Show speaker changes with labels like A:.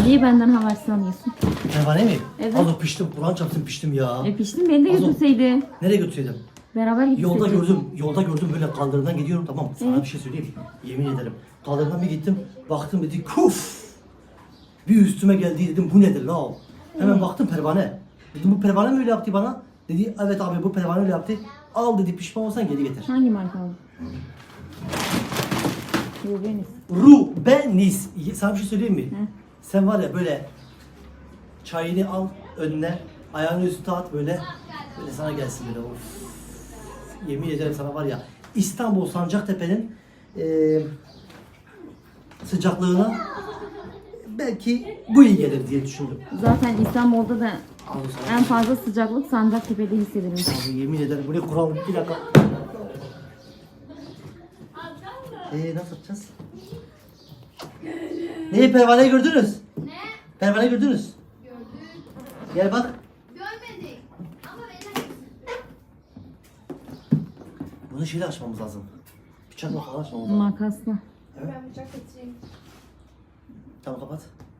A: Niye benden haber sanıyorsun?
B: Pervane mi?
A: Evet.
B: Az o piştim. Kur'an çarpsın piştim ya.
A: Piştin beni de
B: Az o-
A: götürseydi.
B: Nereye götürseydim?
A: Beraber gitseydik.
B: Yolda gördüm böyle kaldırımdan gidiyorum, tamam. Sana bir şey söyleyeyim. Yemin ederim. Kaldırımdan bir gittim. Baktım dedi kuf. Bir üstüme geldi, dedim bu nedir la o? Hemen baktım pervane. Dedim bu pervane mi öyle yaptı bana? Dedi evet abi bu pervane öyle yaptı. Al dedi, pişman olsan geri getir.
A: Hangi marka aldın? Rubeniz.
B: Rubenis. Sana bir şey söyleyeyim mi?
A: Hı.
B: Sen var ya böyle çayını al önüne, ayağını üstüne at böyle sana gelsin böyle of. Yemin ederim sana var ya İstanbul Sancaktepe'nin sıcaklığına belki bu iyi gelir diye düşündüm.
A: Zaten İstanbul'da da
B: Al sana.
A: en fazla sıcaklık Sancaktepe'de hissedilmiş.
B: Abi yemin ederim bu ne kural, bir dakika. Nasıl yapacağız? Pervaneyi gördünüz?
C: Ne?
B: Pervaneyi gördünüz?
C: Gördük.
B: Gel bak.
C: Görmedik. Ama verir.
B: Bunu şeyle açmamız lazım. Bıçakla falan açmamız lazım.
A: Makasla.
B: Evet.
C: Ben bıçak getireyim.
B: Tamam kapat.